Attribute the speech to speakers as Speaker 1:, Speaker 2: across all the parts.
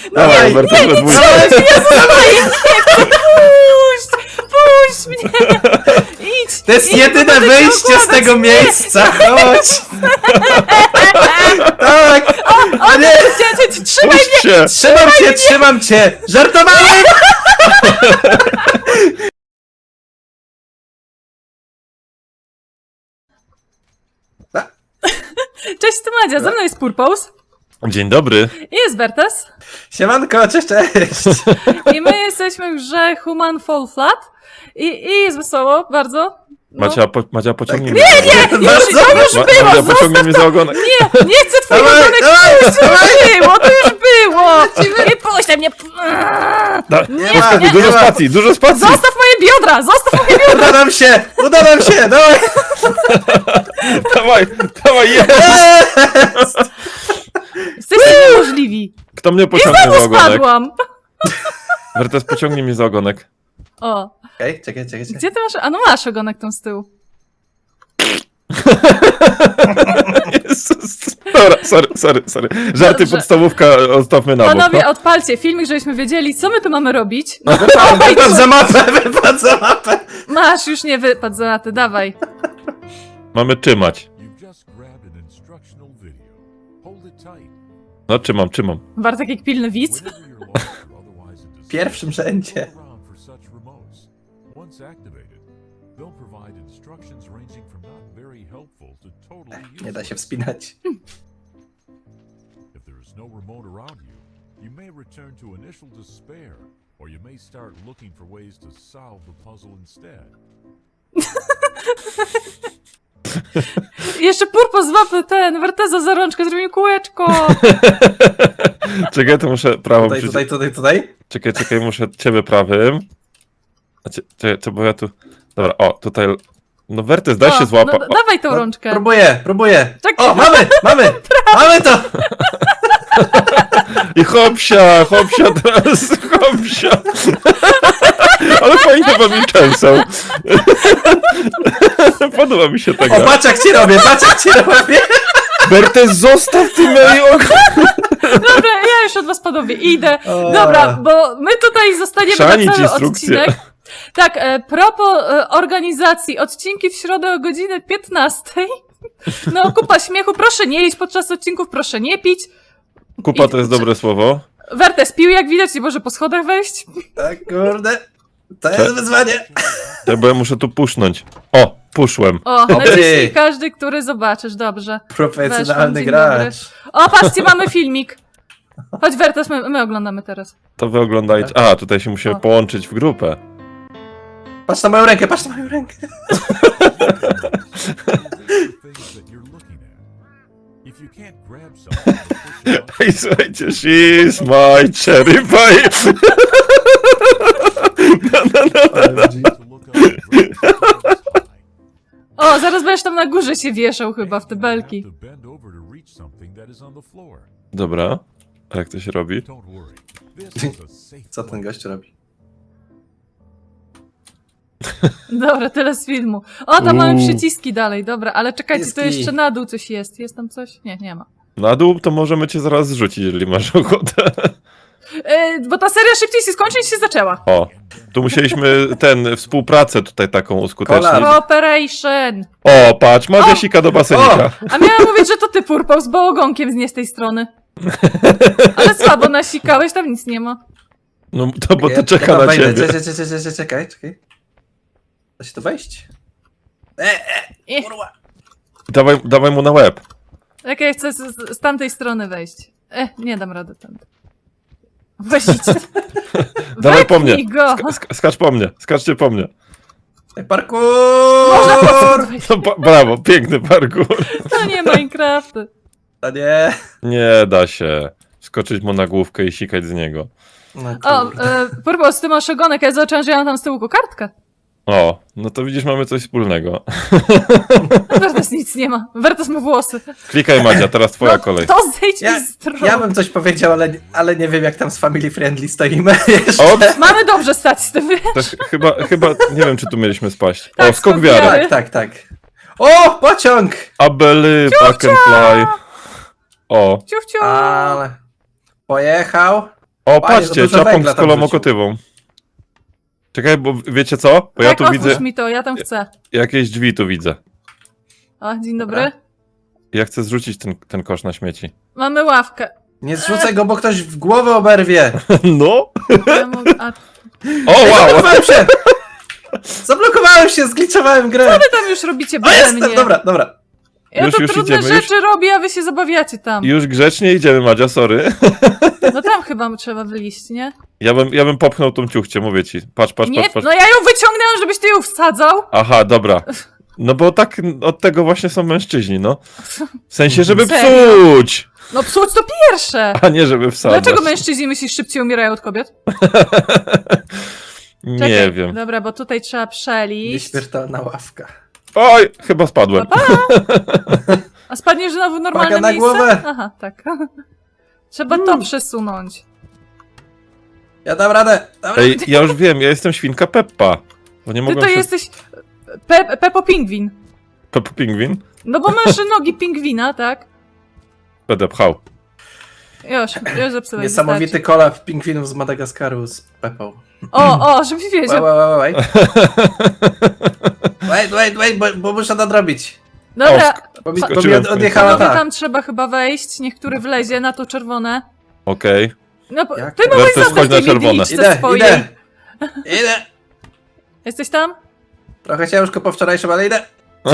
Speaker 1: Dawaj, Berta,
Speaker 2: nie,
Speaker 1: we dwójkę.
Speaker 2: Jezus Maria, nie chcę, puść mnie! Idź!
Speaker 3: To jest
Speaker 2: idź,
Speaker 3: jedyne
Speaker 2: będę cię
Speaker 3: wyjście z
Speaker 2: okładać.
Speaker 3: tego miejsca, chodź! Tak! O nie!
Speaker 2: Trzymaj
Speaker 1: Puść się!
Speaker 3: Trzymam cię! Żartowałem!
Speaker 2: Cześć, to Madzia, ze mną jest Purpose
Speaker 1: Dzień dobry.
Speaker 2: i jest Bertes.
Speaker 3: Siemanko, cześć!
Speaker 2: I my jesteśmy w grze Human Fall Flat i jest wesoło, bardzo. No.
Speaker 1: Madzia, pociągnij
Speaker 3: Tak.
Speaker 1: mnie.
Speaker 2: Nie, już było,
Speaker 1: Madzia, pociągnij mnie za ogonek.
Speaker 2: nie chcę twojego
Speaker 3: Dawaj,
Speaker 2: ogonek
Speaker 3: dawaj,
Speaker 2: puść, to już było, to już było. Nie puść mnie.
Speaker 1: Dużo spacji, dużo spacji.
Speaker 2: Zostaw moje biodra, zostaw moje biodra.
Speaker 3: Uda nam się, dawaj!
Speaker 1: Dawaj, jest!
Speaker 2: Jesteście niemożliwi.
Speaker 1: Kto mnie
Speaker 2: I
Speaker 1: pociągnie za
Speaker 2: znowu
Speaker 1: ogonek?
Speaker 2: spadłam.
Speaker 1: Wertes, pociągnij mnie za ogonek.
Speaker 2: O,
Speaker 3: Okej, czekaj.
Speaker 2: gdzie ty masz? A no masz ogonek tam z tyłu.
Speaker 1: Jezus. Dobra, sorry. Żarty
Speaker 2: Dobrze.
Speaker 1: podstawówka odstawmy na bok.
Speaker 2: Panowie,
Speaker 1: No.
Speaker 2: odpalcie filmik, żebyśmy wiedzieli, co my tu mamy robić.
Speaker 3: Wypadł za mapę!
Speaker 2: Masz, już nie wypadł za laty, dawaj.
Speaker 1: Mamy trzymać.
Speaker 4: You've just grabbed an instructional video. Hold it tight.
Speaker 1: No, trzymam.
Speaker 2: Bartek jak pilny widz.
Speaker 4: Whenever you're lost or otherwise in
Speaker 3: W pierwszym rzędzie.
Speaker 4: look around for such remotes. Once activated, they'll provide instructions ranging from not very helpful to totally
Speaker 3: Nie da się
Speaker 4: useless.
Speaker 3: wspinać.
Speaker 4: If there is no remote around you, you may return to initial despair, or you may start looking for ways to solve the puzzle instead.
Speaker 2: I jeszcze Purpo złapy ten, Werteza za rączkę, zrobił kółeczko.
Speaker 1: Czekaj, to muszę prawą przycisnąć.
Speaker 3: Tutaj.
Speaker 1: Czekaj, muszę ciebie prawym. Czekaj, co, bo ja tu... Dobra, o, tutaj... No, Wertes, daj się złapać.
Speaker 2: No, dawaj tą rączkę.
Speaker 3: Próbuję.
Speaker 2: Czekaj.
Speaker 3: O, mamy to!
Speaker 1: I hopsia teraz, hopsia. Ale fajnie wam częsą. Podoba mi się
Speaker 3: O,
Speaker 1: tego.
Speaker 3: patrz jak ci robię!
Speaker 1: Wertes, zostaw ty moje
Speaker 2: Dobra, ja już od was panowie idę.
Speaker 3: O.
Speaker 2: Dobra, bo my tutaj zostaniemy
Speaker 1: Chrzanić
Speaker 2: na cały
Speaker 1: instrukcje.
Speaker 2: odcinek. Tak, propos organizacji, odcinki w środę o godzinie 15. No, kupa śmiechu, proszę nie jeść podczas odcinków, proszę nie pić.
Speaker 1: Kupa to jest dobre słowo.
Speaker 2: Wertes pił, jak widać, nie może po schodach wejść.
Speaker 3: Tak, kurde. To jest wyzwanie.
Speaker 1: Bo ja muszę tu pusznąć. O, puszłem.
Speaker 2: O,
Speaker 3: Dobry.
Speaker 2: naciśnij każdy, który zobaczysz, dobrze.
Speaker 3: Profesjonalny
Speaker 2: Weszłam, dzień
Speaker 3: gracz.
Speaker 2: O, patrzcie, mamy filmik. Chodź Wertes, my oglądamy teraz.
Speaker 1: To wy oglądajcie. A, tutaj się musimy
Speaker 2: O.
Speaker 1: połączyć w grupę.
Speaker 3: Patrz na moją rękę.
Speaker 4: Things that you're looking at. If you can't grab something, push it out
Speaker 1: Ej, słuchajcie, she's my cherry pie.
Speaker 4: to look up and grab something that's high.
Speaker 2: O, zaraz będziesz tam na górze się wieszał chyba w te
Speaker 4: You
Speaker 2: belki.
Speaker 4: have to bend over to reach something that is on the floor.
Speaker 1: Dobra, a jak to się robi?
Speaker 4: Don't worry. This is a safe
Speaker 3: Co ten
Speaker 4: place.
Speaker 3: gość robi?
Speaker 2: Dobra, tyle z filmu. O, tam mamy
Speaker 1: Uuu.
Speaker 2: przyciski dalej, dobra, ale czekajcie, to
Speaker 3: Przyciski.
Speaker 2: jeszcze na dół coś jest. Jest tam coś? Nie, nie ma.
Speaker 1: Na dół to możemy cię zaraz zrzucić, jeżeli masz ochotę.
Speaker 2: Bo ta seria szybciej się skończy niż się zaczęła.
Speaker 1: O, tu musieliśmy współpracę tutaj taką uskutecznić.
Speaker 3: Kolab.
Speaker 2: Cooperation.
Speaker 1: O, patrz, Madzia sika do basenika.
Speaker 2: A miałam mówić, że to ty Purpose, bo ogonkiem nie z tej strony. Ale słabo nasikałeś, tam nic nie ma.
Speaker 1: No to bo to
Speaker 3: Ja
Speaker 1: czeka
Speaker 3: tam
Speaker 1: na
Speaker 3: wejdę.
Speaker 1: ciebie.
Speaker 3: Czekaj. Da się tu wejść?
Speaker 2: Eh,
Speaker 3: Kurwa.
Speaker 1: Dawaj mu na łeb.
Speaker 2: jak ja chcę z tamtej strony wejść. Nie dam rady tam. Weźcie.
Speaker 1: Dawaj po mnie.
Speaker 2: Go.
Speaker 1: Skacz po mnie. Skaczcie po mnie.
Speaker 3: Parkour!
Speaker 1: No, brawo, piękny parkour.
Speaker 2: To nie Minecrafty.
Speaker 3: A nie.
Speaker 1: Nie da się. Skoczyć mu na główkę i sikać z niego.
Speaker 3: No
Speaker 2: O,
Speaker 3: kurde.
Speaker 2: Purpose, ty masz ogonek, ja zobaczyłam, że ja mam tam z tyłu kokardkę.
Speaker 1: O, no to widzisz, mamy coś wspólnego.
Speaker 2: Wertes nic nie ma. Wertes ma włosy.
Speaker 1: Klikaj, Madzia, teraz twoja kolej.
Speaker 2: To zejdź
Speaker 3: Ja,
Speaker 2: mi z tronu.
Speaker 3: ja bym coś powiedział, ale nie wiem jak tam z family friendly stoimy jeszcze.
Speaker 1: Ops,
Speaker 2: Mamy dobrze stać z tym, wiesz?
Speaker 1: też chyba, nie wiem, czy tu mieliśmy spaść.
Speaker 2: Tak,
Speaker 1: O, skok
Speaker 2: skok
Speaker 1: wiary.
Speaker 2: wiary.
Speaker 3: Tak. O, pociąg!
Speaker 1: I believe I can fly. O,
Speaker 2: Ciuch, ciuch.
Speaker 3: Ale... Pojechał.
Speaker 1: O,
Speaker 3: Panie,
Speaker 1: patrzcie,
Speaker 3: dużo
Speaker 1: czapą
Speaker 3: węgla
Speaker 1: z
Speaker 3: tam
Speaker 1: kolomokotywą. Czekaj, bo wiecie co? Bo ja
Speaker 2: Tak,
Speaker 1: tu
Speaker 2: otwórz
Speaker 1: widzę
Speaker 2: mi to, ja tam chcę.
Speaker 1: jakieś drzwi tu widzę.
Speaker 2: O, dzień dobry.
Speaker 3: Dobra.
Speaker 1: Ja chcę zrzucić ten kosz na śmieci.
Speaker 2: Mamy ławkę.
Speaker 3: Nie zrzucaj go, bo ktoś w głowę oberwie.
Speaker 1: No!
Speaker 2: Ja mogę... A
Speaker 1: O, wow!
Speaker 3: Zablokowałem się! Zablokowałem się, zgliczowałem grę.
Speaker 2: wy tam już robicie
Speaker 3: O,
Speaker 2: beze
Speaker 3: jestem,
Speaker 2: mnie.
Speaker 3: dobra, dobra.
Speaker 2: Ja
Speaker 1: Już,
Speaker 2: to
Speaker 1: już
Speaker 2: trudne
Speaker 1: idziemy, już.
Speaker 2: rzeczy robię, a wy się zabawiacie tam.
Speaker 1: Już grzecznie idziemy, Madzia, sorry.
Speaker 2: No tam chyba trzeba wyjść, nie?
Speaker 1: Ja bym popchnął tą ciuchcię, mówię ci. Patrz.
Speaker 2: Nie, no ja ją wyciągnęłam, żebyś ty ją wsadzał.
Speaker 1: Aha, dobra. No bo tak od tego właśnie są mężczyźni, no. W sensie, żeby
Speaker 2: Serio?
Speaker 1: psuć,
Speaker 2: No psuć to pierwsze.
Speaker 1: a nie żeby wsadzać.
Speaker 2: Dlaczego mężczyźni myślisz szybciej umierają od kobiet?
Speaker 1: Nie
Speaker 2: Czekaj.
Speaker 1: wiem.
Speaker 2: Dobra, bo tutaj trzeba przeliść.
Speaker 3: Nieśmiertelna ławka.
Speaker 1: Oj, chyba spadłem.
Speaker 2: Pa. A spadniesz znowu w normalne
Speaker 3: Uwaga na
Speaker 2: miejsce?
Speaker 3: głowę.
Speaker 2: Aha, tak. Trzeba to przesunąć.
Speaker 3: Ja dam radę.
Speaker 1: Ej, ja już wiem, ja jestem świnka Peppa. Bo nie
Speaker 2: Ty
Speaker 1: mogłem
Speaker 2: to
Speaker 1: się...
Speaker 2: jesteś Peppo Pingwin.
Speaker 1: Peppa Pingwin?
Speaker 2: No bo masz nogi pingwina, tak?
Speaker 1: Będę pchał.
Speaker 2: Już zepsułeś.
Speaker 3: Niesamowity
Speaker 2: wystarczy.
Speaker 3: kolab pingwinów z Madagaskaru z Pepą.
Speaker 2: O, żebyś wiedział.
Speaker 3: Wait. bo muszę nadrobić.
Speaker 2: Dobra,
Speaker 3: Bo mi
Speaker 1: Skoczyłem w końcu.
Speaker 3: odjechała
Speaker 2: panowie,
Speaker 3: tak.
Speaker 2: tam trzeba chyba wejść. Niech który wlezie na to czerwone.
Speaker 1: Okej.
Speaker 2: No,
Speaker 3: Jak?
Speaker 2: ty mogłeś
Speaker 1: Wertes,
Speaker 2: zostać
Speaker 1: chodź na
Speaker 2: tymi
Speaker 1: czerwone.
Speaker 2: glitchce
Speaker 3: Idę.
Speaker 2: swojej. Jesteś tam?
Speaker 3: Trochę ciężko po wczorajszym, ale idę.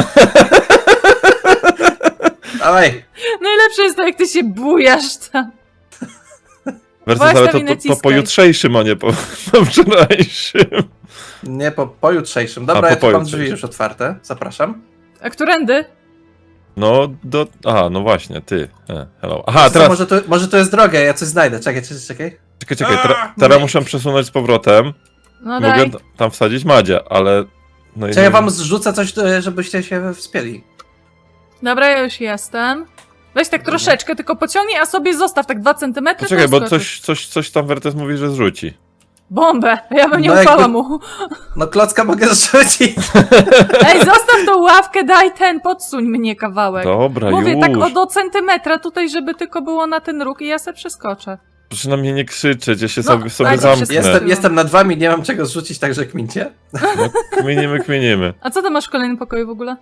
Speaker 3: Dawaj.
Speaker 2: Najlepsze jest to, jak ty się bujasz tam.
Speaker 1: Wertes,
Speaker 2: Właśnie
Speaker 1: ale
Speaker 2: mi
Speaker 1: to po
Speaker 2: naciskaj.
Speaker 1: jutrzejszym, a nie po wczorajszym.
Speaker 3: Nie, po jutrzejszym. Dobra,
Speaker 1: A,
Speaker 3: ja tu mam
Speaker 1: pojutrzejszym.
Speaker 3: drzwi już otwarte. Zapraszam.
Speaker 2: A którędy?
Speaker 1: No, Aha, no właśnie, ty. Hello. Aha,
Speaker 3: Co,
Speaker 1: teraz...
Speaker 3: może to jest droga, ja coś znajdę. Czekaj.
Speaker 1: Czekaj,
Speaker 3: A,
Speaker 1: teraz
Speaker 3: myk.
Speaker 1: muszę przesunąć z powrotem.
Speaker 2: No daj.
Speaker 1: Mogę tam wsadzić Madzię, ale... No i
Speaker 3: Czy
Speaker 1: nie
Speaker 3: ja wam
Speaker 1: wiem.
Speaker 3: zrzucę coś, żebyście się wspięli?
Speaker 2: Dobra, ja już jestem. Weź tak troszeczkę, tylko pociągnij, a sobie zostaw tak 2 centymetry.
Speaker 1: Poczekaj,
Speaker 2: to
Speaker 1: bo
Speaker 2: skoczysz.
Speaker 1: coś tam Wertes mówi, że zrzuci.
Speaker 2: Bombę! Ja bym nie
Speaker 3: No
Speaker 2: ufała
Speaker 3: jakby-
Speaker 2: mu.
Speaker 3: No klocka mogę zrzucić.
Speaker 2: Ej, zostaw tą ławkę, daj podsuń mnie kawałek.
Speaker 1: Dobra,
Speaker 2: Mówię
Speaker 1: już.
Speaker 2: tak do centymetra tutaj, żeby tylko było na ten róg i ja se przeskoczę.
Speaker 1: Proszę na mnie nie krzyczeć, ja się
Speaker 2: No,
Speaker 1: sobie
Speaker 2: ale to
Speaker 1: zamknę.
Speaker 2: wszystko-
Speaker 3: Jestem nad wami, nie mam czego zrzucić, także kmincie.
Speaker 1: No, kminimy.
Speaker 2: A co ty masz w kolejnym pokoju w ogóle?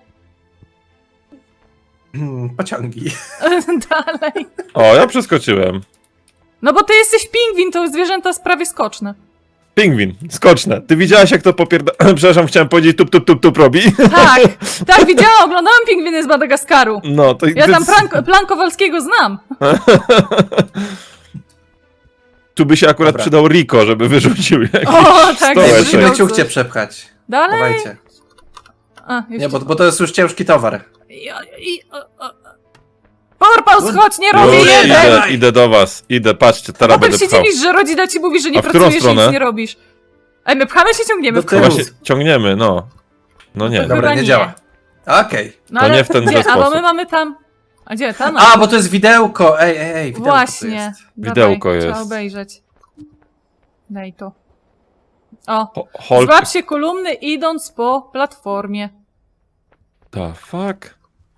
Speaker 3: Pociągi.
Speaker 2: Dalej.
Speaker 1: O, ja przeskoczyłem.
Speaker 2: No bo ty jesteś pingwin, to zwierzęta jest prawie skoczne.
Speaker 1: Pingwin, skoczne. Ty widziałaś jak to Przepraszam, chciałem powiedzieć tup robi.
Speaker 2: Tak, widziałam, oglądałam pingwiny z Madagaskaru.
Speaker 1: No, to...
Speaker 2: Ja tam plan Kowalskiego znam.
Speaker 1: Tu by się akurat
Speaker 3: Dobra.
Speaker 1: przydał Rico, żeby wyrzucił jakiś
Speaker 2: O, tak,
Speaker 1: stołeczek.
Speaker 2: Musimy
Speaker 3: Musimy
Speaker 2: coś.
Speaker 3: ciuchcie przepchać.
Speaker 2: Dalej.
Speaker 3: Dawajcie.
Speaker 2: A, już
Speaker 3: Nie, bo to jest już ciężki towar.
Speaker 2: Porpaus, chodź, nie robię
Speaker 1: Już
Speaker 2: jeden!
Speaker 1: idę do was. Idę, patrzcie, teraz
Speaker 2: Potem
Speaker 1: będę
Speaker 2: się
Speaker 1: pchał.
Speaker 2: dziwisz, że rodzina ci mówi, że nie
Speaker 1: A w którą
Speaker 2: pracujesz i nic
Speaker 1: stronę?
Speaker 2: nie robisz. Ej, my pchamy się, ciągniemy w
Speaker 3: Do tyłu.
Speaker 2: końcu.
Speaker 1: Właśnie ciągniemy, no. No nie.
Speaker 2: Chyba
Speaker 3: Dobra, nie
Speaker 2: nie.
Speaker 3: działa. Okej.
Speaker 2: No,
Speaker 1: To
Speaker 2: ale
Speaker 1: nie w ten
Speaker 2: gdzie?
Speaker 1: zły
Speaker 2: A bo
Speaker 1: sposób.
Speaker 2: my mamy tam... A gdzie? Tam?
Speaker 3: A, bo to jest widełko. Ej, widełko to
Speaker 2: Właśnie.
Speaker 3: jest.
Speaker 1: Widełko
Speaker 2: Dawaj,
Speaker 1: jest.
Speaker 2: Trzeba obejrzeć. Daj to. O,
Speaker 1: Hulk...
Speaker 2: złap się kolumny idąc po platformie.
Speaker 1: The fuck?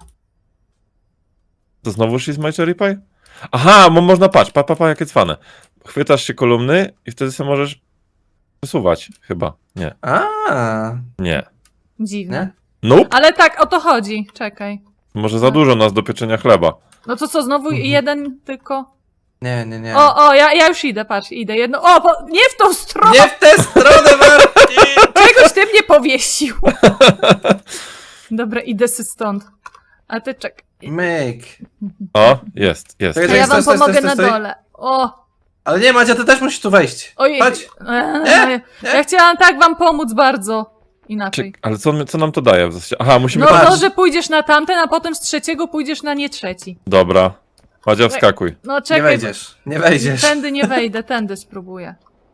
Speaker 1: To znowu She's My Cherry Pie? Aha, można patrz, pa, jakie cwane. Chwytasz się kolumny i wtedy sobie możesz przesuwać, chyba. Nie. Nie.
Speaker 2: Dziwne.
Speaker 3: Nie?
Speaker 1: Nope.
Speaker 2: Ale tak, o to chodzi. Czekaj.
Speaker 1: Może za dużo nas do pieczenia chleba.
Speaker 2: No to co, znowu jeden tylko?
Speaker 3: Nie.
Speaker 2: Ja już idę, patrz, idę jedno. Nie w tą stronę!
Speaker 3: Nie w tę stronę, Martin!
Speaker 2: Czegoś ty mnie powiesił! Dobra, idę sy stąd. A ty czekaj.
Speaker 3: Myk.
Speaker 1: O, jest.
Speaker 3: To
Speaker 2: A
Speaker 3: jest-
Speaker 2: ja wam
Speaker 3: stoi,
Speaker 2: pomogę na
Speaker 3: stoi.
Speaker 2: dole. O!
Speaker 3: Ale nie, Madzia, ty też musisz tu wejść.
Speaker 2: Ojej.
Speaker 3: Chodź. Nie.
Speaker 2: Ja chciałam tak wam pomóc bardzo. Inaczej.
Speaker 1: Ale co nam to daje w zasadzie? Aha, musimy...
Speaker 2: No
Speaker 3: patrz.
Speaker 2: to, że pójdziesz na tamten, a potem z trzeciego pójdziesz na nie trzeci.
Speaker 1: Dobra. Madzia, wskakuj.
Speaker 2: No
Speaker 3: Nie
Speaker 2: czekaj.
Speaker 3: wejdziesz. Nie wejdziesz.
Speaker 2: Tędy nie wejdę, tędy spróbuję.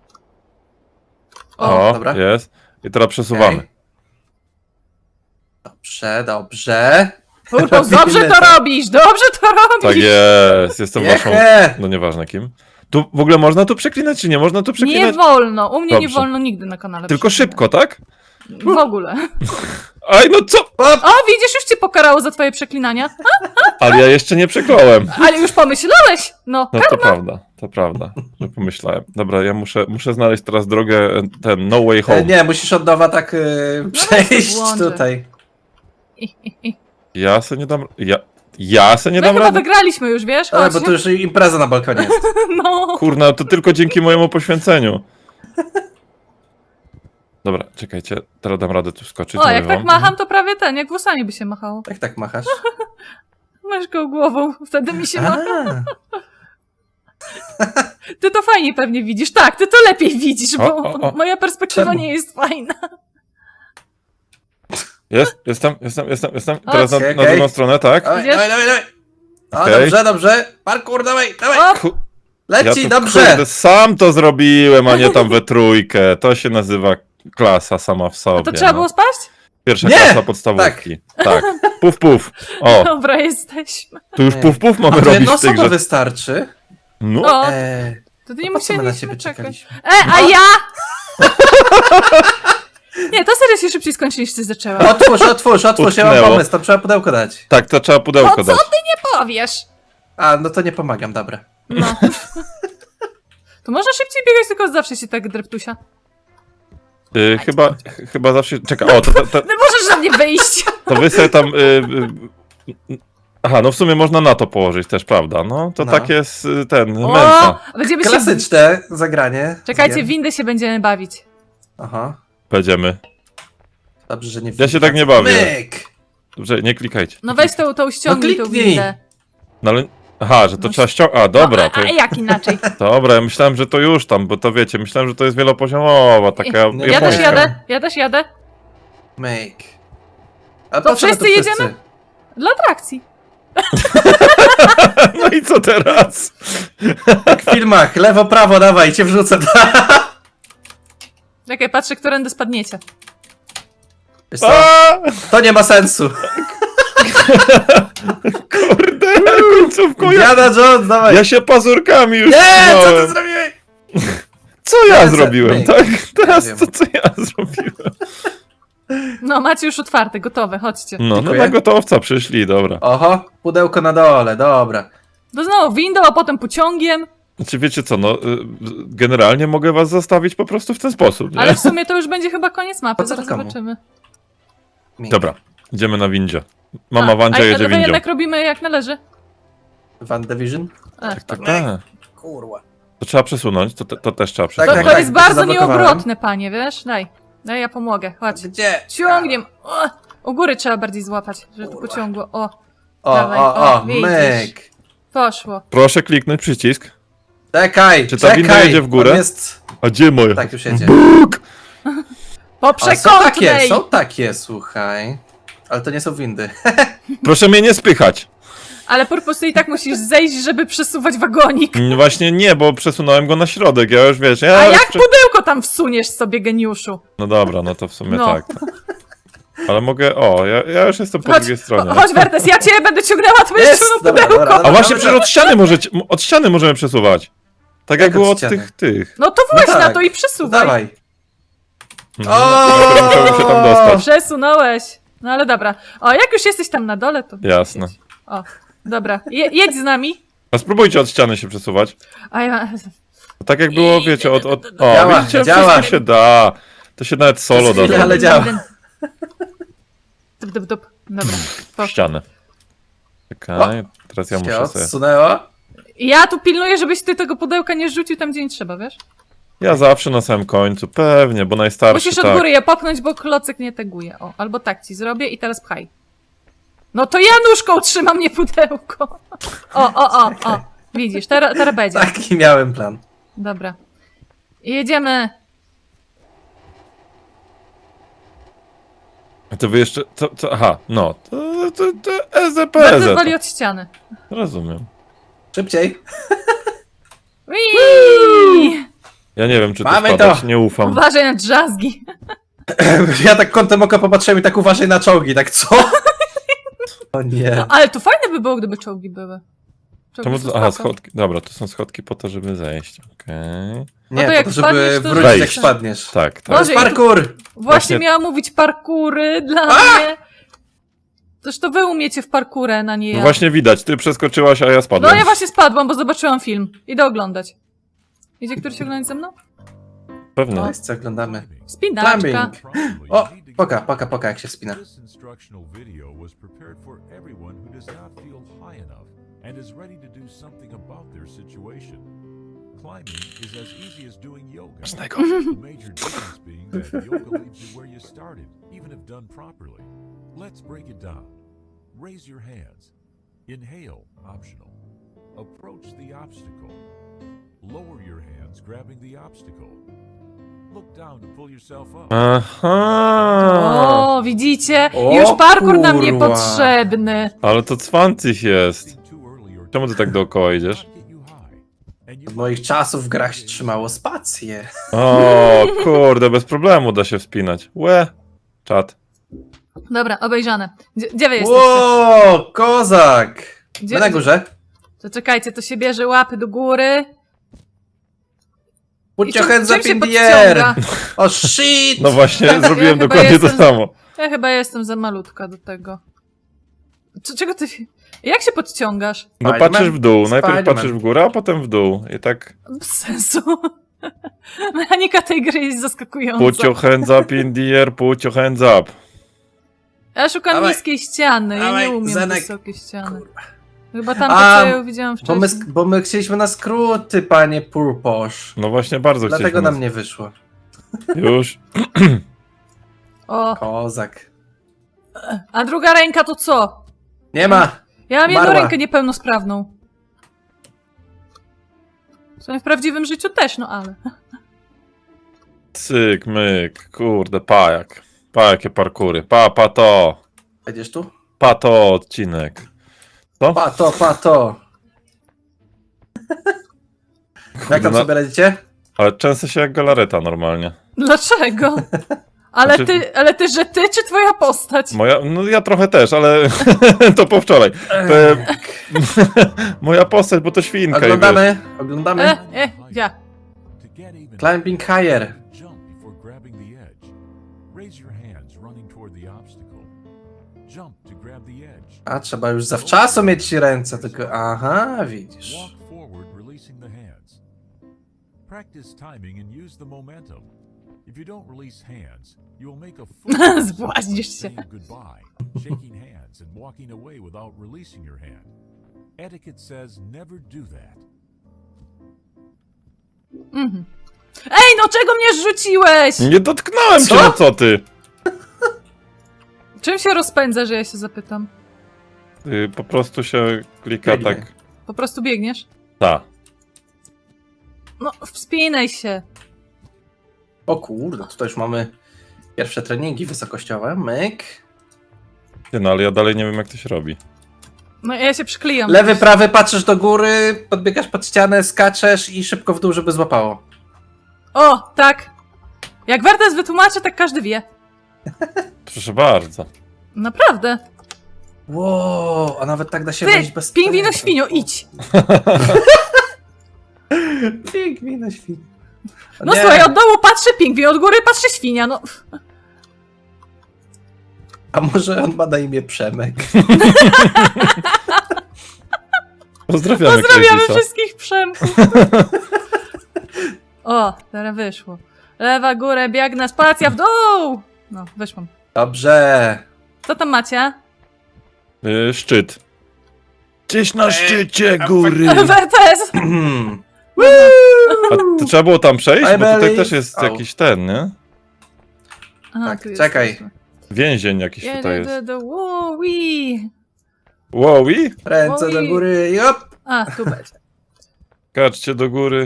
Speaker 1: O,
Speaker 3: dobra.
Speaker 1: jest. I teraz przesuwamy.
Speaker 3: Okej. Dobrze.
Speaker 2: Kurwa, dobrze to robisz, dobrze to robisz!
Speaker 1: Tak jest, jestem waszą...
Speaker 3: Jeche.
Speaker 1: No nieważne kim. Tu w ogóle można tu przeklinać, czy nie można tu przeklinać?
Speaker 2: Nie wolno, u mnie nie
Speaker 1: Dobrze.
Speaker 2: wolno nigdy na kanale.
Speaker 1: Tylko
Speaker 2: przeklinać.
Speaker 1: szybko, tak?
Speaker 2: W ogóle.
Speaker 1: Aj, no co?
Speaker 2: O, widzisz, już cię pokarało za twoje przeklinania.
Speaker 1: Ale ja jeszcze nie przekląłem.
Speaker 2: Ale już pomyślałeś. No,
Speaker 1: No to prawda, że pomyślałem. Dobra, ja muszę znaleźć teraz drogę, ten No Way Home.
Speaker 3: Nie, musisz od nowa tak przejść
Speaker 2: włączę.
Speaker 3: tutaj.
Speaker 1: Ja se nie dam... Ja se nie
Speaker 2: My
Speaker 1: dam
Speaker 2: chyba
Speaker 1: rady?
Speaker 2: wygraliśmy już, wiesz?
Speaker 3: Ale
Speaker 2: Chodź.
Speaker 3: bo tu już impreza na balkonie jest.
Speaker 2: No.
Speaker 1: Kurna, to tylko dzięki mojemu poświęceniu. Dobra, czekajcie, teraz dam radę tu skoczyć.
Speaker 2: O,
Speaker 1: mówię
Speaker 2: jak tak
Speaker 1: wam.
Speaker 2: macham, to prawie jak włosami by się machało.
Speaker 3: Jak tak machasz?
Speaker 2: Masz go głową, wtedy mi się macha.
Speaker 3: A,
Speaker 2: Ty to fajnie pewnie widzisz. Tak, ty to lepiej widzisz, bo
Speaker 1: O.
Speaker 2: moja perspektywa
Speaker 3: Czemu?
Speaker 2: nie jest fajna.
Speaker 1: Jestem. Teraz na
Speaker 3: Okej.
Speaker 1: drugą stronę, tak?
Speaker 3: dawaj,
Speaker 2: Idziesz?
Speaker 3: dawaj. O,
Speaker 1: Okej.
Speaker 3: dobrze. Parkour, dawaj.
Speaker 2: O,
Speaker 1: Ku-
Speaker 3: Leci,
Speaker 1: to,
Speaker 3: dobrze.
Speaker 1: Kurde, sam to zrobiłem, a nie tam we trójkę. To się nazywa klasa sama w sobie.
Speaker 2: to trzeba
Speaker 1: no.
Speaker 2: było spaść?
Speaker 1: Pierwsza
Speaker 3: Nie!
Speaker 1: klasa podstawówki. Tak. Puf, puf. O,
Speaker 2: Dobra, jesteśmy.
Speaker 1: tu już
Speaker 3: Nie.
Speaker 1: puf, puf mamy
Speaker 3: A to
Speaker 1: robić
Speaker 3: jedno
Speaker 1: w tej
Speaker 3: osoba
Speaker 1: grze.
Speaker 3: wystarczy.
Speaker 1: No,
Speaker 2: O, to ty nie
Speaker 3: po co my na
Speaker 2: musieliśmy
Speaker 3: ciebie
Speaker 2: czekać.
Speaker 3: czekaliśmy?
Speaker 2: A ja? Nie, to serio się szybciej skończy niż ty zaczęła.
Speaker 3: Otwórz, ja mam
Speaker 1: Utknęło.
Speaker 3: pomysł, tam trzeba pudełko dać.
Speaker 1: tak, to trzeba pudełko
Speaker 2: No co
Speaker 1: dać.
Speaker 2: Nie powiesz.
Speaker 3: A, no to nie pomagam, dobra.
Speaker 2: No. To można szybciej biegać, tylko zawsze się tak dreptusia.
Speaker 1: Chyba zawsze... Czekaj, o, to
Speaker 2: No możesz na mnie wyjść.
Speaker 1: wy sobie tam... Aha, no w sumie można na to położyć też, prawda? No, to
Speaker 3: No.
Speaker 1: tak jest ten,
Speaker 2: O,
Speaker 1: męsa.
Speaker 2: będziemy się...
Speaker 3: Klasyczne zagranie.
Speaker 2: Czekajcie,
Speaker 3: Wiem.
Speaker 2: windy się będziemy bawić.
Speaker 3: Aha.
Speaker 1: Będziemy.
Speaker 3: Dobrze, że nie
Speaker 1: Ja się tak nie bawię.
Speaker 3: Myk!
Speaker 1: Dobrze, nie klikajcie.
Speaker 2: No weź tą ściągnij tą
Speaker 3: kliknij.
Speaker 2: windę.
Speaker 1: No ale... Aha, że to trzeba ściągnąć... A, dobra, to...
Speaker 2: No, a jak inaczej?
Speaker 1: Dobra, ja myślałem, że to już tam, bo to wiecie, myślałem, że to jest wielopoziomowa, taka
Speaker 3: Nie,
Speaker 2: Ja też
Speaker 1: japońska.
Speaker 2: jadę.
Speaker 3: Myk. A
Speaker 2: To
Speaker 3: po co my
Speaker 2: wszyscy
Speaker 3: tu
Speaker 2: jedziemy? Dla atrakcji.
Speaker 1: No i co teraz?
Speaker 3: Jak w filmach, lewo, prawo, dawaj, cię wrzucę.
Speaker 2: Czekaj, patrzę, którędy spadniecie.
Speaker 3: Wiesz co?
Speaker 1: A,
Speaker 3: To nie ma sensu.
Speaker 1: kurde, końcówką ja...
Speaker 3: Indiana Jones, dawaj.
Speaker 1: Ja się pazurkami już
Speaker 3: Nie, co
Speaker 1: trzymałem.
Speaker 3: ty zrobiłeś?
Speaker 1: Co ja
Speaker 3: Nie,
Speaker 1: zrobiłem,
Speaker 3: myk.
Speaker 1: tak? Teraz
Speaker 3: wiem.
Speaker 1: to co ja zrobiłem?
Speaker 2: No, macie już otwarte, gotowe, chodźcie.
Speaker 1: No
Speaker 3: Dziękuję.
Speaker 1: na gotowca przyszli, dobra.
Speaker 3: Oho, pudełko na dole, dobra.
Speaker 2: To znowu windą, a potem pociągiem.
Speaker 1: Znaczy wiecie co, no generalnie mogę was zostawić po prostu w ten sposób, nie?
Speaker 2: Ale w sumie to już będzie chyba koniec mapy,
Speaker 3: Po co
Speaker 2: zaraz
Speaker 3: to komu?
Speaker 2: zobaczymy.
Speaker 3: Myk.
Speaker 1: Dobra, idziemy na windzie. Mama Wandzia jedzie
Speaker 2: to
Speaker 1: windzią.
Speaker 2: jednak robimy jak należy.
Speaker 3: WandaVision?
Speaker 2: Ech,
Speaker 1: Tak, tak.
Speaker 3: Kurwa.
Speaker 1: To trzeba przesunąć, to też trzeba
Speaker 2: to,
Speaker 1: przesunąć.
Speaker 3: tak,
Speaker 2: to
Speaker 3: tak,
Speaker 2: jest
Speaker 3: to się
Speaker 2: bardzo
Speaker 3: zablokowałem.
Speaker 2: nieobrotne, panie, wiesz? Daj, ja pomogę, chodź.
Speaker 3: Gdzie?
Speaker 2: Ciągniem. O, u góry trzeba bardziej złapać, żeby to
Speaker 3: Kurwa.
Speaker 2: pociągło. O,
Speaker 3: O,
Speaker 2: Dawaj,
Speaker 3: o,
Speaker 2: widzisz.
Speaker 3: myk.
Speaker 2: poszło.
Speaker 1: Proszę kliknąć przycisk.
Speaker 3: Czekaj,
Speaker 1: Czy ta winda
Speaker 3: czekaj.
Speaker 1: jedzie w górę?
Speaker 3: On jest...
Speaker 1: A gdzie moja?
Speaker 3: Tak, już jedzie.
Speaker 2: Po
Speaker 3: A
Speaker 2: przekątnej!
Speaker 3: są takie, słuchaj. Ale to nie są windy.
Speaker 1: Proszę mnie nie spychać.
Speaker 2: Ale Purpose, i tak musisz zejść, żeby przesuwać wagonik.
Speaker 1: Właśnie nie, bo przesunąłem go na środek, ja już wiesz,
Speaker 2: A jak pudełko tam wsuniesz sobie, geniuszu?
Speaker 1: No dobra, no to w sumie
Speaker 2: No.
Speaker 1: tak. Ale mogę, ja już jestem po drugiej stronie.
Speaker 2: Chodź, Wertes, ja cię będę ciągnęła, to będziesz
Speaker 3: Jest,
Speaker 2: ciągnął
Speaker 3: dobra,
Speaker 2: pudełko.
Speaker 3: dobra.
Speaker 1: A właśnie przecież od ściany od ściany możemy przesuwać. Tak jak
Speaker 3: Jak
Speaker 1: było
Speaker 3: od
Speaker 1: od
Speaker 3: ściany?
Speaker 1: tych.
Speaker 2: No to właśnie
Speaker 3: No tak.
Speaker 2: na to i przesuwaj.
Speaker 3: Dawaj.
Speaker 1: Musiałbym się tam dostać.
Speaker 2: Przesunąłeś. No ale dobra. O, jak już jesteś tam na dole, to...
Speaker 1: Jasne.
Speaker 2: O, dobra. Jedź z nami.
Speaker 1: A spróbujcie od ściany się przesuwać.
Speaker 2: A ja...
Speaker 1: Tak jak było, wiecie, od... O,
Speaker 3: Działa,
Speaker 1: widzicie,
Speaker 3: działa.
Speaker 1: wszystko się da. To się nawet solo da.
Speaker 3: chwilę, ale działa.
Speaker 2: Dup. Dobra.
Speaker 1: W
Speaker 2: poszło.
Speaker 1: ścianę. Czekaj, teraz ja
Speaker 3: Się
Speaker 1: muszę sobie...
Speaker 3: odsunęło.
Speaker 2: Ja tu pilnuję, żebyś ty tego pudełka nie rzucił tam, gdzie nie trzeba, wiesz?
Speaker 1: Ja zawsze na samym końcu, pewnie, bo najstarszy
Speaker 2: Musisz od
Speaker 1: tak.
Speaker 2: góry je popchnąć, bo klocek nie teguje. O, albo tak ci zrobię i teraz pchaj. No to ja nóżką trzymam, nie pudełko. O. Widzisz, teraz będzie.
Speaker 3: Taki miałem plan.
Speaker 2: Dobra. Jedziemy.
Speaker 1: To wy jeszcze... aha, no. To EZPZ.
Speaker 2: Bardzo woli od ściany.
Speaker 1: Rozumiem.
Speaker 3: Szybciej.
Speaker 2: Whee!
Speaker 1: Ja nie wiem, czy tu
Speaker 3: Mamy
Speaker 1: spadać,
Speaker 3: to.
Speaker 1: nie ufam.
Speaker 2: Uważaj na drzazgi.
Speaker 3: Ja tak kątem oka popatrzyłem i tak uważaj na czołgi, tak co? O nie.
Speaker 2: No, ale to fajne by było, gdyby czołgi były.
Speaker 1: Czemu
Speaker 2: Spoko.
Speaker 1: to... Aha, schodki. Dobra, to są schodki po to, żeby zejść. Okej.
Speaker 3: Nie,
Speaker 2: to
Speaker 3: po
Speaker 2: jak
Speaker 3: to, żeby
Speaker 2: wpadniesz, to
Speaker 3: wrócić jak
Speaker 1: wejść.
Speaker 3: spadniesz.
Speaker 1: Tak,
Speaker 3: To
Speaker 1: tak.
Speaker 3: jest
Speaker 2: Boże,
Speaker 3: parkour!
Speaker 2: Właśnie
Speaker 1: Właśnie-
Speaker 2: miałam mówić parkury dla mnie. Toż to wy umiecie w parkurę, na nie ja.
Speaker 1: No właśnie widać, ty przeskoczyłaś, a ja
Speaker 2: No
Speaker 1: spadłem.
Speaker 2: ja właśnie spadłam, bo zobaczyłam film. Idę oglądać. Idzie któryś oglądać ze mną?
Speaker 1: Pewnie.
Speaker 3: To jest co oglądamy.
Speaker 2: Spinaczka.
Speaker 3: Climbing. O, poka, jak się wspina.
Speaker 4: This instructional video was prepared for everyone who does not feel high enough and is ready to do something about their situation. Climbing is as easy as doing yoga. The major difference being that yoga leaves you where you started, even if done properly. Let's break it down. Raise your hands. Inhale, optional. Approach the obstacle. Lower your hands, grabbing the obstacle. Look down to pull yourself up.
Speaker 1: Aha.
Speaker 2: O, widzicie?
Speaker 3: O,
Speaker 2: Już parkur nam
Speaker 3: kurwa.
Speaker 2: niepotrzebny.
Speaker 1: Ale to cwancych jest. Czemu ty tak dookoła idziesz?
Speaker 3: Od moich czasów w grach się trzymało spację.
Speaker 1: O, kurde, bez problemu da się wspinać. Łe. Czad.
Speaker 2: Dobra, obejrzane. Gdzie wy jesteście?
Speaker 3: Ło, kozak!
Speaker 2: Gdzie-
Speaker 3: My na górze.
Speaker 2: To czekajcie, to się bierze łapy do góry.
Speaker 3: Put your hands
Speaker 2: czym
Speaker 3: up
Speaker 2: się
Speaker 3: in the air!
Speaker 2: podciąga?
Speaker 3: O shit!
Speaker 1: No właśnie,
Speaker 2: Ja
Speaker 1: zrobiłem
Speaker 2: chyba
Speaker 1: dokładnie to
Speaker 2: jestem-
Speaker 1: samo.
Speaker 2: Ja chyba jestem za malutka do tego. Czego ty... Jak się podciągasz?
Speaker 1: No
Speaker 3: Spiderman?
Speaker 1: patrzysz w dół, najpierw
Speaker 3: Spiderman.
Speaker 1: patrzysz w górę, a potem w dół. I tak
Speaker 2: Bez sensu. Mechanika tej gry jest zaskakująca.
Speaker 1: put your hands up in the air, put your hands up.
Speaker 2: Ja szukam
Speaker 3: Dawaj.
Speaker 2: niskiej ściany, ja
Speaker 3: Dawaj,
Speaker 2: nie umiem
Speaker 3: Zenek.
Speaker 2: wysokiej ściany.
Speaker 3: Kurwa.
Speaker 2: Chyba tam,
Speaker 3: A,
Speaker 2: co ja widziałam wcześniej.
Speaker 3: Bo my chcieliśmy na skróty, panie Purposz.
Speaker 1: No właśnie, bardzo
Speaker 3: Dlatego
Speaker 1: chcieliśmy.
Speaker 3: nam nie wyszło.
Speaker 1: Już.
Speaker 2: O,
Speaker 3: Kozak.
Speaker 2: a druga ręka to co?
Speaker 3: Nie ma!
Speaker 2: Ja mam jedną
Speaker 3: Umarła.
Speaker 2: rękę niepełnosprawną. W sumie w prawdziwym życiu też, no ale...
Speaker 1: Cyk, myk, kurde, pajak. Jakie parkury. Pa to.
Speaker 3: Będziesz tu?
Speaker 1: Pa to odcinek. Co?
Speaker 3: Pato. Jak tam
Speaker 1: no-
Speaker 3: sobie radzicie?
Speaker 1: Ale często się jak galareta normalnie.
Speaker 2: Dlaczego?
Speaker 1: Znaczy-
Speaker 2: Ale ty, że ty, czy twoja postać?
Speaker 1: No ja trochę też, ale to po wczoraj. Moja postać, bo to świnka. i wiesz.
Speaker 3: Oglądamy.
Speaker 2: Ja.
Speaker 3: Climbing higher.
Speaker 4: Jump before grabbing the edge. Raise your hands running toward the obstacle. Jump to grab the edge.
Speaker 3: A, trzeba już zawczasu mieć ręce, tylko... Aha, widzisz.
Speaker 4: Walk forward, releasing the hands. Practice timing and use the momentum. If you don't release hands, you will make a fool
Speaker 2: Zbłaźnisz się.
Speaker 4: saying goodbye, shaking hands and walking away without releasing your hand. Etiquette says never do that.
Speaker 2: Mhm. Ej, no czego mnie rzuciłeś?
Speaker 1: Nie dotknąłem cię,
Speaker 3: Co?
Speaker 1: no co ty?
Speaker 2: Czym się rozpędza, że ja się zapytam?
Speaker 1: Po prostu się klika
Speaker 3: Biegnie.
Speaker 1: tak.
Speaker 2: Po prostu biegniesz?
Speaker 1: Ta.
Speaker 2: No, wspinaj się.
Speaker 3: O kurde, tutaj już mamy pierwsze treningi wysokościowe. Myk.
Speaker 1: Ty, no ale ja dalej nie wiem jak to się robi.
Speaker 2: No ja się przyklijam.
Speaker 3: Lewy, prawy, patrzysz do góry, podbiegasz pod ścianę, skaczesz i szybko w dół, żeby złapało.
Speaker 2: O, tak. Jak Wertes wytłumaczy, tak każdy wie.
Speaker 1: Proszę bardzo.
Speaker 2: Naprawdę.
Speaker 3: Wow, a nawet tak da się
Speaker 2: Ty,
Speaker 3: wejść bez
Speaker 2: pingwino
Speaker 3: tego.
Speaker 2: świnio, idź.
Speaker 3: Pingwino świnio.
Speaker 2: No słuchaj, od dołu patrzy pingwin, od góry patrzy świnia, no.
Speaker 3: A może on ma na imię Przemek?
Speaker 1: Pozdrawiamy
Speaker 2: Pozdrawiamy
Speaker 1: Crazysa.
Speaker 2: wszystkich Przemków. O, teraz wyszło. Lewa, górę, biegnę, spacja w dół. No, wyszłam.
Speaker 3: Dobrze.
Speaker 2: Co tam macie?
Speaker 1: Szczyt. Gdzieś na szczycie góry.
Speaker 2: Wertes!
Speaker 1: A to trzeba było tam przejść?
Speaker 3: I
Speaker 1: Bo tutaj
Speaker 3: believe-
Speaker 1: też jest
Speaker 3: Au.
Speaker 1: jakiś ten, nie?
Speaker 2: Aha,
Speaker 3: Tak,
Speaker 2: tu
Speaker 3: czekaj.
Speaker 2: jesteśmy.
Speaker 1: Więzień jakiś tutaj jest.
Speaker 2: Wowi.
Speaker 1: Wowi?
Speaker 3: Ręce do
Speaker 2: Oj.
Speaker 3: góry i op.
Speaker 2: A, tu będzie.
Speaker 1: Kaczcie do góry.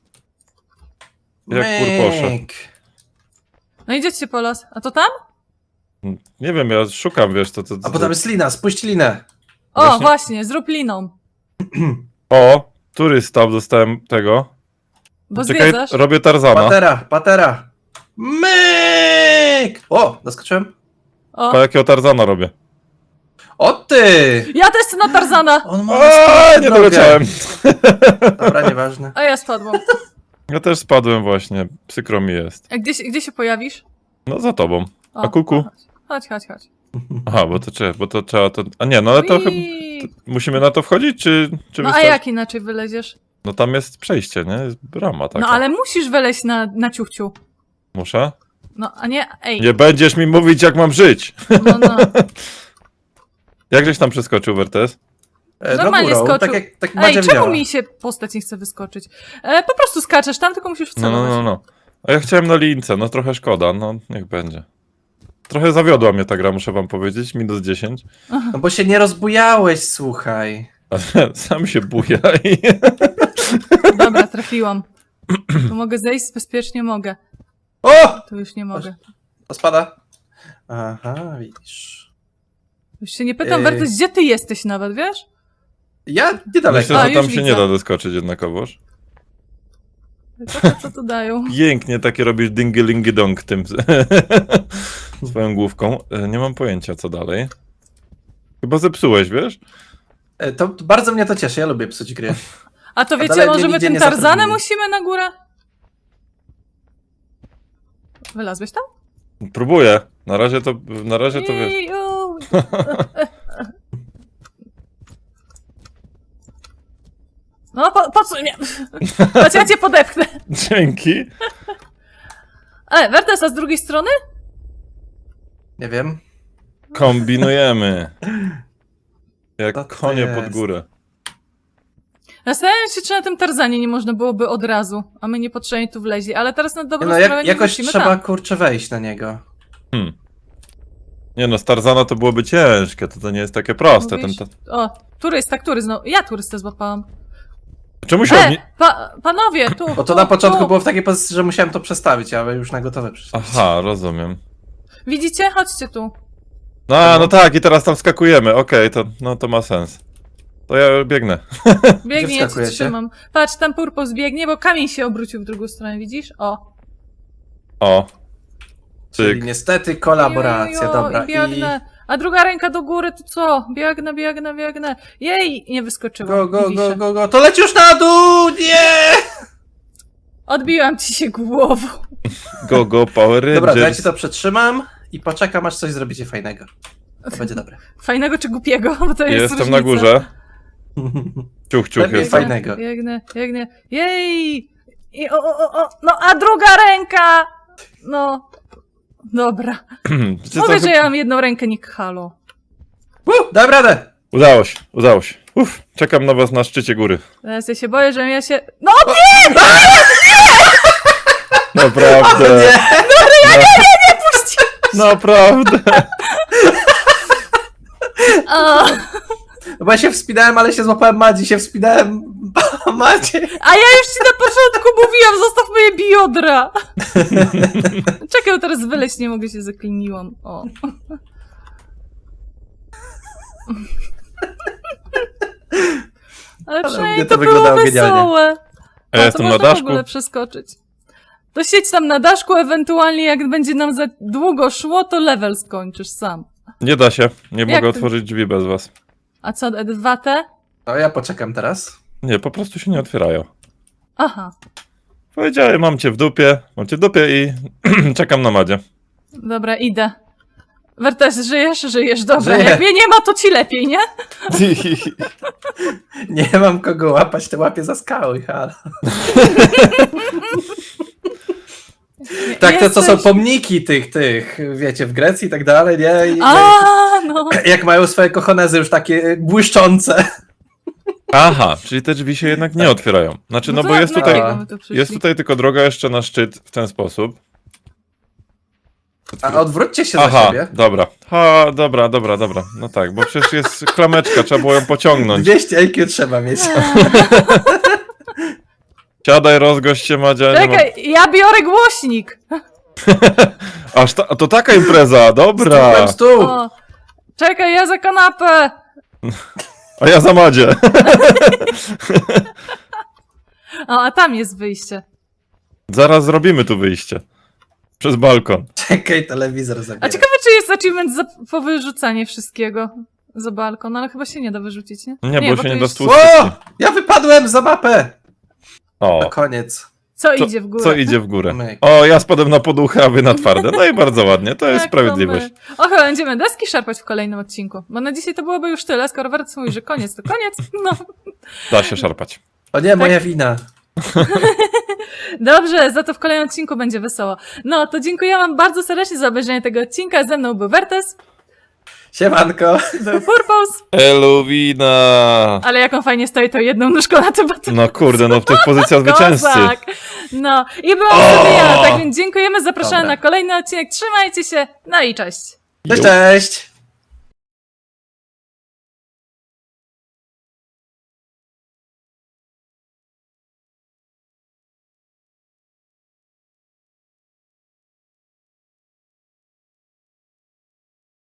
Speaker 1: Jak Purposze.
Speaker 3: Myk.
Speaker 2: No idziecie po los. A to tam?
Speaker 1: Nie wiem, ja szukam, wiesz, to...
Speaker 3: A potem jest lina, spuść linę.
Speaker 2: O,
Speaker 1: Właśnie-
Speaker 2: właśnie, zrób liną.
Speaker 1: O, turysta, dostałem tego.
Speaker 2: Bo
Speaker 1: Czekaj,
Speaker 2: zwiedzasz.
Speaker 1: robię Tarzana.
Speaker 3: Patera. Myk! O, doskoczyłem.
Speaker 2: O,
Speaker 1: Pa jakiego Tarzana robię.
Speaker 3: O ty!
Speaker 2: Ja też chcę na Tarzana!
Speaker 3: On ma
Speaker 1: O, nie
Speaker 3: nogę.
Speaker 1: doleciałem.
Speaker 3: Dobra, nieważne.
Speaker 2: A ja spadłam.
Speaker 1: Ja też spadłem właśnie. Przykro mi jest.
Speaker 2: A gdzie się pojawisz?
Speaker 1: No za tobą.
Speaker 2: O,
Speaker 1: A kuku?
Speaker 2: Chodź.
Speaker 1: Aha, bo to trzeba to... A nie, no ale to chyba...
Speaker 2: Ui.
Speaker 1: Musimy na to wchodzić, czy
Speaker 2: No a
Speaker 1: wystarczy?
Speaker 2: jak inaczej wyleziesz?
Speaker 1: No tam jest przejście, nie? Jest brama taka.
Speaker 2: No ale musisz wyleźć na ciuchciu.
Speaker 1: Muszę?
Speaker 2: No, a nie, ej.
Speaker 1: Nie będziesz mi mówić, jak mam żyć!
Speaker 2: No.
Speaker 1: Jak żeś tam przeskoczył, Wertes?
Speaker 3: Do
Speaker 2: Normalnie
Speaker 3: górą,
Speaker 2: skoczył.
Speaker 3: tak
Speaker 2: Ej,
Speaker 3: Madzia
Speaker 2: czemu
Speaker 3: działa.
Speaker 2: mi się postać nie chce wyskoczyć? Po prostu skaczesz tam, tylko musisz wcelować.
Speaker 1: No. A ja chciałem na lince, no trochę szkoda, no niech będzie. Trochę zawiodła mnie ta gra, muszę wam powiedzieć, minus 10.
Speaker 3: No bo się nie rozbujałeś, słuchaj.
Speaker 1: Ale sam się buja i...
Speaker 2: Dobra, trafiłam. Tu mogę zejść, bezpiecznie mogę.
Speaker 3: O!
Speaker 2: Tu już nie mogę.
Speaker 3: To spada. Aha, widzisz.
Speaker 2: Już się nie pytam,
Speaker 3: Ej.
Speaker 2: Wertes, gdzie ty jesteś nawet, wiesz?
Speaker 3: Ja niedaleko.
Speaker 1: Myślę,
Speaker 2: A,
Speaker 1: że tam
Speaker 2: już
Speaker 1: się
Speaker 2: widzę.
Speaker 1: nie da doskoczyć jednakowoż.
Speaker 2: Co tu dają?
Speaker 1: Pięknie takie robisz dingy-lingy-dong tym swoją główką. Nie mam pojęcia, co dalej. Chyba zepsułeś, wiesz?
Speaker 3: To bardzo mnie to cieszy, ja lubię psuć gry.
Speaker 2: A to wiecie,
Speaker 3: dalej mnie
Speaker 2: może my
Speaker 3: nigdzie
Speaker 2: tym
Speaker 3: nie
Speaker 2: Tarzanem
Speaker 3: zatrudnili.
Speaker 2: musimy na górę? Wylazłeś tam?
Speaker 1: Próbuję. Na razie to wiesz.
Speaker 2: Iu. No, podsuń mnie. Chodź, ja cię podepchnę.
Speaker 1: Dzięki.
Speaker 2: Wertes, a z drugiej strony?
Speaker 3: Nie wiem.
Speaker 1: Kombinujemy. Jak
Speaker 3: Co to
Speaker 1: konie
Speaker 3: jest?
Speaker 1: pod górę.
Speaker 2: Zastanawiam się, czy na tym Tarzanie nie można byłoby od razu, a my niepotrzebnie tu wleźli, ale teraz na dobrą
Speaker 3: No
Speaker 2: sprawę nie
Speaker 3: jakoś
Speaker 2: wrócimy
Speaker 3: trzeba,
Speaker 2: tam.
Speaker 3: kurczę, wejść na niego.
Speaker 1: Nie no, z Tarzana to byłoby ciężkie, to nie jest takie proste.
Speaker 2: Mówisz? O, turysta, który znowu? Ja turystę złapałam.
Speaker 1: Czemu się odni...
Speaker 2: Panowie, tu.
Speaker 3: Bo to
Speaker 2: tu,
Speaker 3: na początku
Speaker 2: tu.
Speaker 3: było w takiej pozycji, że musiałem to przestawić, ale już na gotowe przyszło.
Speaker 1: Aha, rozumiem.
Speaker 2: Widzicie? Chodźcie tu.
Speaker 1: No tak, i teraz tam skakujemy. Okej, to ma sens. To ja biegnę.
Speaker 2: Biegnie, ja cię
Speaker 3: wskakujecie?
Speaker 2: trzymam. Patrz, tam Purpos biegnie, bo kamień się obrócił w drugą stronę, widzisz? O.
Speaker 1: O.
Speaker 3: Czyli
Speaker 1: Cyk.
Speaker 3: niestety kolaboracja,
Speaker 2: Jo,
Speaker 3: dobra.
Speaker 2: I biegnę. A druga ręka do góry, to co? Biegnę. Jej, nie wyskoczyłam. wiszę.
Speaker 3: Go. To leci już na dół! Nie!
Speaker 2: Odbiłam ci się głową.
Speaker 1: Go, Power Rangers.
Speaker 3: Dobra, to ja ci to przetrzymam i poczekam, aż coś zrobicie fajnego. To będzie dobre.
Speaker 2: Fajnego czy głupiego, bo to jest
Speaker 1: Jestem
Speaker 2: różnica.
Speaker 1: na górze. Ciuch
Speaker 3: Lepiej
Speaker 1: jest.
Speaker 3: fajnego.
Speaker 2: Biegnę. Jej! I no a druga ręka! No. Dobra. Mówię, że ja mam jedną rękę, nie halo.
Speaker 3: Dam radę!
Speaker 1: Udało się. Czekam na was na szczycie góry.
Speaker 2: Teraz ja się boję, że ja się... No
Speaker 1: Naprawdę.
Speaker 3: Nie!
Speaker 2: puść!
Speaker 1: Naprawdę.
Speaker 2: O,
Speaker 3: No bo ja się wspinałem, ale się złapałem Madzi, się wspinałem Madzie.
Speaker 2: a ja już ci na początku mówiłam, zostaw moje biodra! Czekaj, teraz wyleźć nie mogę, się zakliniłam. O. Ale
Speaker 3: mnie
Speaker 2: przynajmniej
Speaker 3: to
Speaker 2: to było
Speaker 3: wyglądało genialnie.
Speaker 2: wesołe.
Speaker 1: A ja
Speaker 2: to
Speaker 1: jestem na
Speaker 2: można w
Speaker 1: daszku.
Speaker 2: ogóle przeskoczyć. To siedź tam na daszku, ewentualnie jak będzie nam za długo szło, to level skończysz sam.
Speaker 1: Nie da się. Nie
Speaker 2: Jak
Speaker 1: mogę
Speaker 2: to?
Speaker 1: otworzyć drzwi bez was.
Speaker 2: A co, E2T?
Speaker 3: No ja poczekam teraz.
Speaker 1: Nie, po prostu się nie otwierają.
Speaker 2: Aha,
Speaker 1: Powiedziałem, mam cię w dupie i czekam na Madzie.
Speaker 2: dobra, idę. Wertes, żyjesz? Dobra,
Speaker 3: Żyję.
Speaker 2: jak mnie nie ma, to ci lepiej, nie?
Speaker 3: Nie mam kogo łapać, te łapie za skały, halo. Tak, to są
Speaker 2: Jesteś-
Speaker 3: pomniki tych, wiecie, w Grecji i tak dalej, nie? I,
Speaker 2: No.
Speaker 3: jak mają swoje kochonezy już takie błyszczące.
Speaker 1: Aha, czyli te drzwi się jednak nie otwierają. Znaczy, no
Speaker 2: to
Speaker 1: bo jest
Speaker 2: na
Speaker 1: tutaj,
Speaker 2: jakiego my tu przyszli?
Speaker 1: jest tutaj tylko droga jeszcze na szczyt w ten sposób.
Speaker 3: A odwróćcie się za
Speaker 1: Aha,
Speaker 3: siebie.
Speaker 1: dobra. Dobra. No tak, bo przecież jest klameczka, trzeba było ją pociągnąć.
Speaker 3: 200 IQ trzeba mieć.
Speaker 1: Siadaj, rozgość się, Madzia. nie
Speaker 2: Czekaj, ja biorę głośnik.
Speaker 1: Aż to taka impreza, dobra.
Speaker 3: Stół.
Speaker 2: O, czekaj, ja za kanapę.
Speaker 1: A ja za Madzie.
Speaker 2: O, a tam jest wyjście.
Speaker 1: Zaraz zrobimy tu wyjście. Przez balkon.
Speaker 3: Czekaj, telewizor
Speaker 2: A
Speaker 3: zabiera.
Speaker 2: ciekawe, czy jest achievement za powyrzucanie wszystkiego za balkon, ale chyba się nie da wyrzucić, nie?
Speaker 1: Nie, bo się
Speaker 2: to
Speaker 1: nie da
Speaker 2: jest-
Speaker 1: stłuczyć.
Speaker 3: O! Ja wypadłem za mapę! Na
Speaker 1: O,
Speaker 3: koniec.
Speaker 2: Co idzie w górę?
Speaker 1: co idzie w górę?
Speaker 3: Myk.
Speaker 1: O, ja spadłem na poduchę, a wy na twarde. No i bardzo ładnie, to jest
Speaker 2: Tak,
Speaker 1: sprawiedliwość.
Speaker 2: to my. O, chyba będziemy deski szarpać w kolejnym odcinku. Bo na dzisiaj to byłoby już tyle, skoro Wertes mówi, że koniec, to koniec. No,
Speaker 1: Da się szarpać.
Speaker 3: O nie, moja wina.
Speaker 2: dobrze, za to w kolejnym odcinku będzie wesoło. No, to dziękuję wam bardzo serdecznie za obejrzenie tego odcinka. Ze mną był Wertes,
Speaker 3: Siemanko.
Speaker 2: był Purpose,
Speaker 1: Eluwina!
Speaker 2: ale jak on fajnie stoi, to jedną nóżką na tym batem.
Speaker 1: No kurde, no to jest pozycja zwycięzcy.
Speaker 2: Kozak. No, i byłam sobie ja, tak więc dziękujemy, zapraszamy
Speaker 3: Dobra.
Speaker 2: na kolejny odcinek. Trzymajcie się, no i cześć.
Speaker 3: Cześć, cześć.